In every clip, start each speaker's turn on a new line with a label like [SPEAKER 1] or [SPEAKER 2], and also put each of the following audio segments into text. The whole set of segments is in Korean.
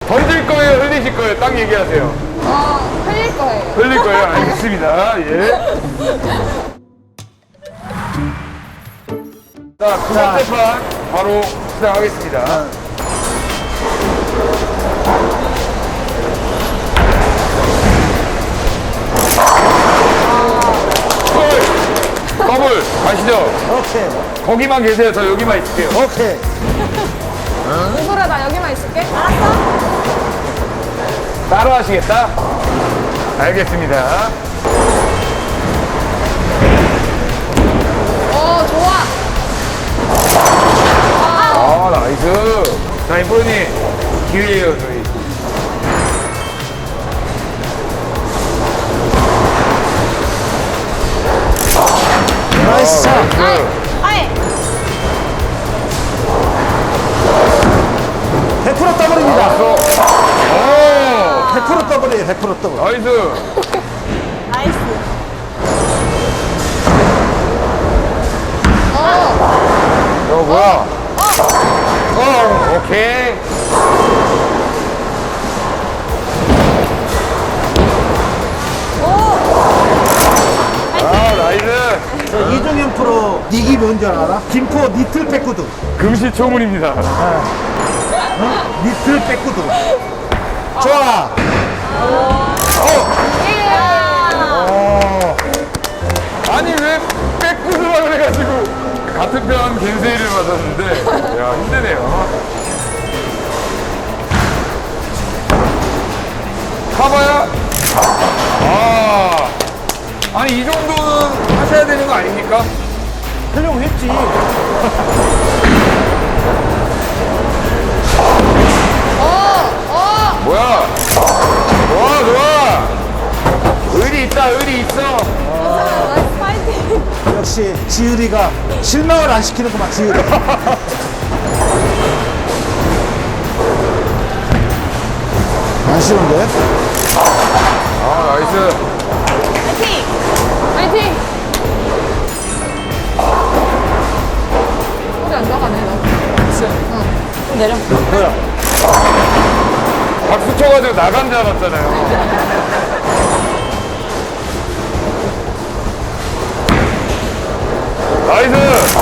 [SPEAKER 1] 던질 거예요, 흘리실 거예요? 딱 얘기하세요.
[SPEAKER 2] 흘릴 거예요.
[SPEAKER 1] 흘릴 거예요? 알겠습니다. 예. 자, 두 번째 판 바로 시작하겠습니다. 더블 가시죠.
[SPEAKER 3] 오케이.
[SPEAKER 1] 거기만 계세요. 저 여기만 있을게요.
[SPEAKER 3] 오케이.
[SPEAKER 2] 이소라 나 여기만 있을게. 알았어?
[SPEAKER 1] 따로 하시겠다? 알겠습니다.
[SPEAKER 2] 좋아.
[SPEAKER 1] 아, 나이스. 자, 인프로님, 기회예요, 저희.
[SPEAKER 3] 나이스 샷.
[SPEAKER 1] 나이스.
[SPEAKER 2] 아이.
[SPEAKER 3] 100% 더블입니다.
[SPEAKER 1] 왔어. 오,
[SPEAKER 3] 100% 더블이에요. 100% 더블.
[SPEAKER 1] 나이스.
[SPEAKER 2] 나이스.
[SPEAKER 1] 뭐야? 오케이. 아, 나이스.
[SPEAKER 3] 저 이종현 프로 닉이 뭔지 알아? 김포 니틀 백구두.
[SPEAKER 1] 금시초문입니다.
[SPEAKER 3] 니틀 백구두. 좋아.
[SPEAKER 1] 아니, 왜 백구스라 그래가지고. 같은 편 겐세이를 맞았는데, 야, 힘드네요. 가봐야. 아니, 이 정도는 하셔야 되는 거 아닙니까?
[SPEAKER 3] 하려고 했지.
[SPEAKER 1] 뭐야? 좋아, 좋아. 의리 있다, 의리 있어.
[SPEAKER 2] 나이스 파이팅.
[SPEAKER 3] 역시 지율이가 실망을 안 시키는구만. 지율이. 아쉬운데?
[SPEAKER 1] 아, 나이스.
[SPEAKER 2] 파이팅. 파이팅. 소리 안 나가네 너. 좀 내려.
[SPEAKER 3] 뭐야?
[SPEAKER 1] 박수 쳐가지고 나간 줄 알았잖아요. 나이스!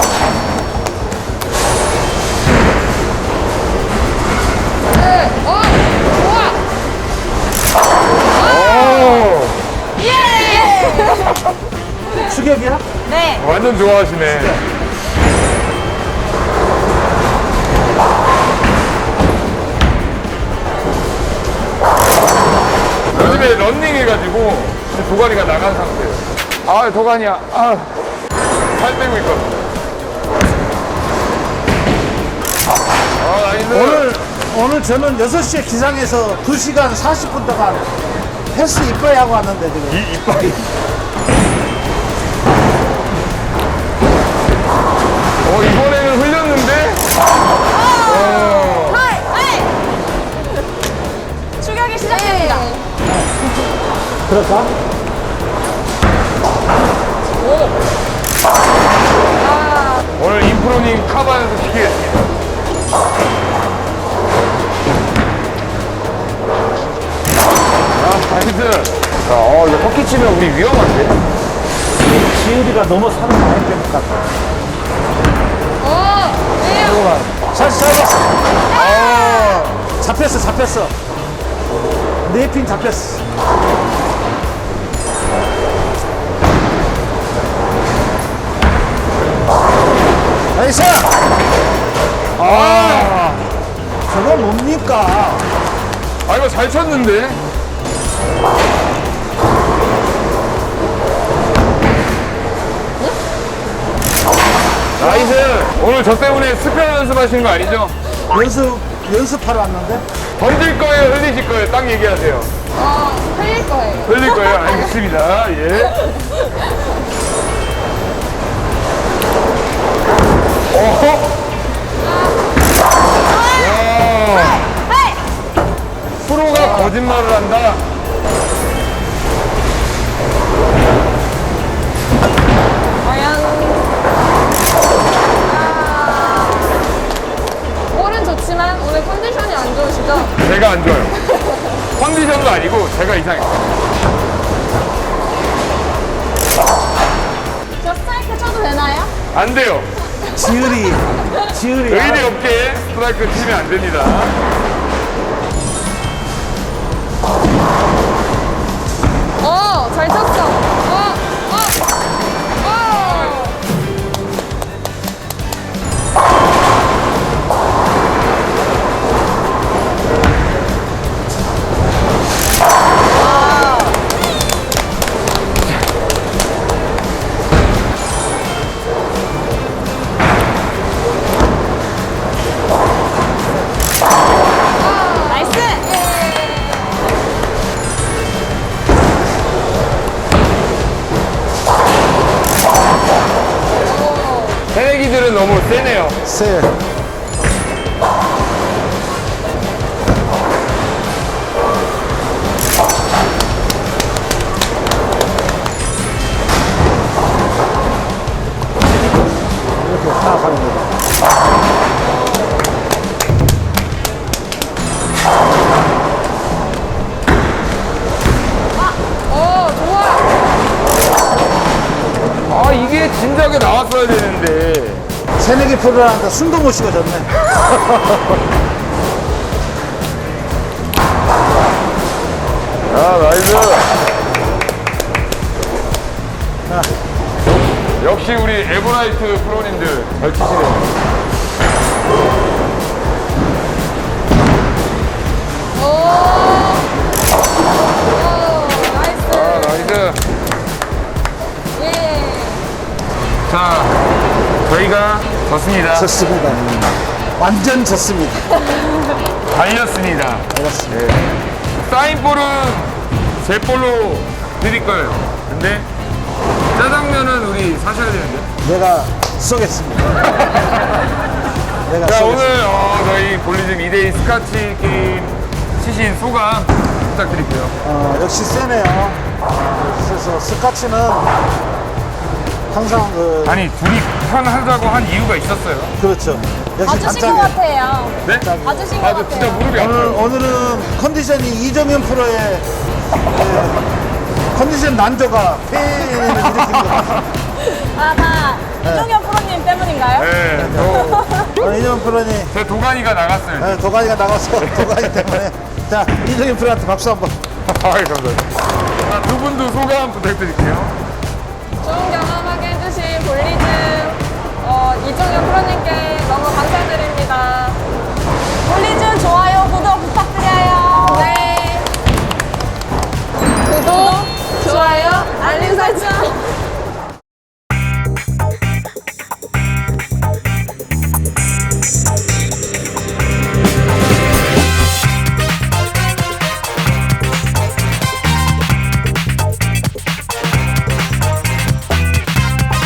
[SPEAKER 2] 네. 좋아.
[SPEAKER 1] 오!
[SPEAKER 2] 예.
[SPEAKER 3] 추격이야?
[SPEAKER 2] 네.
[SPEAKER 1] 완전 좋아하시네. 요즘에 런닝 해가지고 도가니가 나간 상태예요. 아, 도가니야. 살 빼고 있거든. 나이스.
[SPEAKER 3] 오늘 저는 6시에 기상해서 2시간 40분 동안 헬스 이빨 하고 왔는데 지금.
[SPEAKER 1] 이빨이. 이번에는 흘렸는데?
[SPEAKER 2] 추격이 시작됩니다.
[SPEAKER 3] 그럴까?
[SPEAKER 1] 오늘 인프로님 카바에서 시키겠습니다. 나이스. 자, 이거 터키 치면 우리 위험한데?
[SPEAKER 3] 지율이가 너무 살을 많이 뺀 것 같아. 잘 잡았어. 잡혔어, 잡혔어. 네 핀 잡혔어. 나이스! 저거 뭡니까?
[SPEAKER 1] 이거 잘 쳤는데? 나이스! 오늘 저 때문에 스페어 연습하시는 거 아니죠?
[SPEAKER 3] 연습하러 왔는데?
[SPEAKER 1] 던질 거예요, 흘리실 거예요? 딱 얘기하세요.
[SPEAKER 2] 흘릴 거예요.
[SPEAKER 1] 흘릴 거예요? 알겠습니다. 예. 프로가 거짓말을 한다?
[SPEAKER 2] 과연. 볼은 좋지만 오늘 컨디션이 안 좋으시죠?
[SPEAKER 1] 제가 안 좋아요. 컨디션도 아니고 제가 이상해요.
[SPEAKER 2] 저 스트라이크 쳐도 되나요?
[SPEAKER 1] 안 돼요.
[SPEAKER 3] 지을이
[SPEAKER 1] 의리 없게 스트라이크 치면 안 됩니다.
[SPEAKER 2] 잘 쳤어. 나이스.
[SPEAKER 1] 새내기들은 너무 세네요.
[SPEAKER 3] 세. 이렇게 파악하는 거다.
[SPEAKER 2] 좋아.
[SPEAKER 1] 아, 이게 진작에 나왔어야 되는데.
[SPEAKER 3] 새내기 프로라니까 숨도 못 쉬어졌네.
[SPEAKER 1] 아, 나이스. 역시 우리 에버라이트 프로님들 잘 치시네요.
[SPEAKER 2] 나이스.
[SPEAKER 1] 아, 나이스.
[SPEAKER 2] 예.
[SPEAKER 1] 자, 저희가 졌습니다.
[SPEAKER 3] 졌습니다. 완전 졌습니다.
[SPEAKER 1] 달렸습니다.
[SPEAKER 3] 알았습니다.
[SPEAKER 1] 사인볼은 제 볼로 드릴 거예요. 근데 짜장면은 우리 사셔야 되는데.
[SPEAKER 3] 내가 쏘겠습니다. 내가
[SPEAKER 1] 자,
[SPEAKER 3] 쏘겠습니다.
[SPEAKER 1] 오늘 저희 볼리즘 2대2 스카치 게임 치신 소감 부탁드릴게요.
[SPEAKER 3] 역시 세네요. 그래서 스카치는 항상
[SPEAKER 1] 아니, 둘이 편하자고 한 이유가 있었어요.
[SPEAKER 3] 그렇죠. 역시
[SPEAKER 2] 봐주신 것
[SPEAKER 3] 단짝이에요.
[SPEAKER 2] 같아요.
[SPEAKER 1] 네?
[SPEAKER 2] 봐주신 것
[SPEAKER 1] 아, 저 진짜
[SPEAKER 2] 같아요.
[SPEAKER 1] 무릎이 아파요.
[SPEAKER 3] 오늘은 컨디션이 이정현 프로의 컨디션 난조가 폐를 일으킨 것 같아요.
[SPEAKER 2] 다 이종현 프로님 때문인가요?
[SPEAKER 1] 네,
[SPEAKER 3] 이정현 프로니
[SPEAKER 1] 제 도가니가 나갔어요.
[SPEAKER 3] 도가니가 나가서 도가니 때문에 자 이정현 프로한테 박수 한번.
[SPEAKER 1] 아이, 감사합니다. 자, 두 분도 소감 부탁드릴게요.
[SPEAKER 2] 좋은 경험하게 해주신 볼리즘 이종현 프로님께